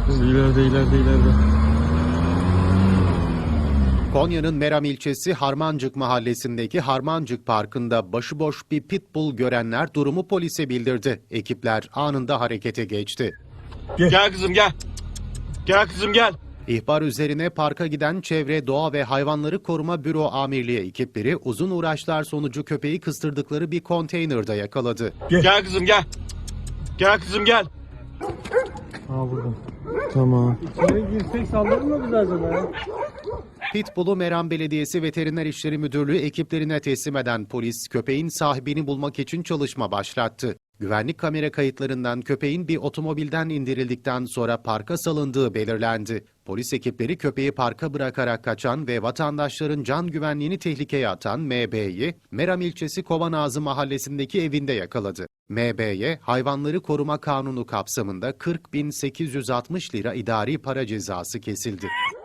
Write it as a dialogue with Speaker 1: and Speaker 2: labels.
Speaker 1: İleride.
Speaker 2: Konya'nın Meram ilçesi Harmancık mahallesindeki Harmancık Parkı'nda başıboş bir pitbull görenler durumu polise bildirdi. Ekipler anında harekete geçti.
Speaker 1: Gel kızım gel. Gel kızım gel.
Speaker 2: İhbar üzerine parka giden Çevre, Doğa ve Hayvanları Koruma Büro Amirliği ekipleri uzun uğraşlar sonucu köpeği kıstırdıkları bir konteynerde yakaladı.
Speaker 1: Gel kızım gel. Gel kızım gel.
Speaker 3: Burada.
Speaker 1: Tamam.
Speaker 3: İçeri girsek saldırır mı bize acaba?
Speaker 2: Pitbull'u Meram Belediyesi Veteriner İşleri Müdürlüğü ekiplerine teslim eden polis köpeğin sahibini bulmak için çalışma başlattı. Güvenlik kamera kayıtlarından köpeğin bir otomobilden indirildikten sonra parka salındığı belirlendi. Polis ekipleri köpeği parka bırakarak kaçan ve vatandaşların can güvenliğini tehlikeye atan MB'yi Meram ilçesi Kovanağzı mahallesindeki evinde yakaladı. MB'ye Hayvanları Koruma Kanunu kapsamında 40.860 lira idari para cezası kesildi.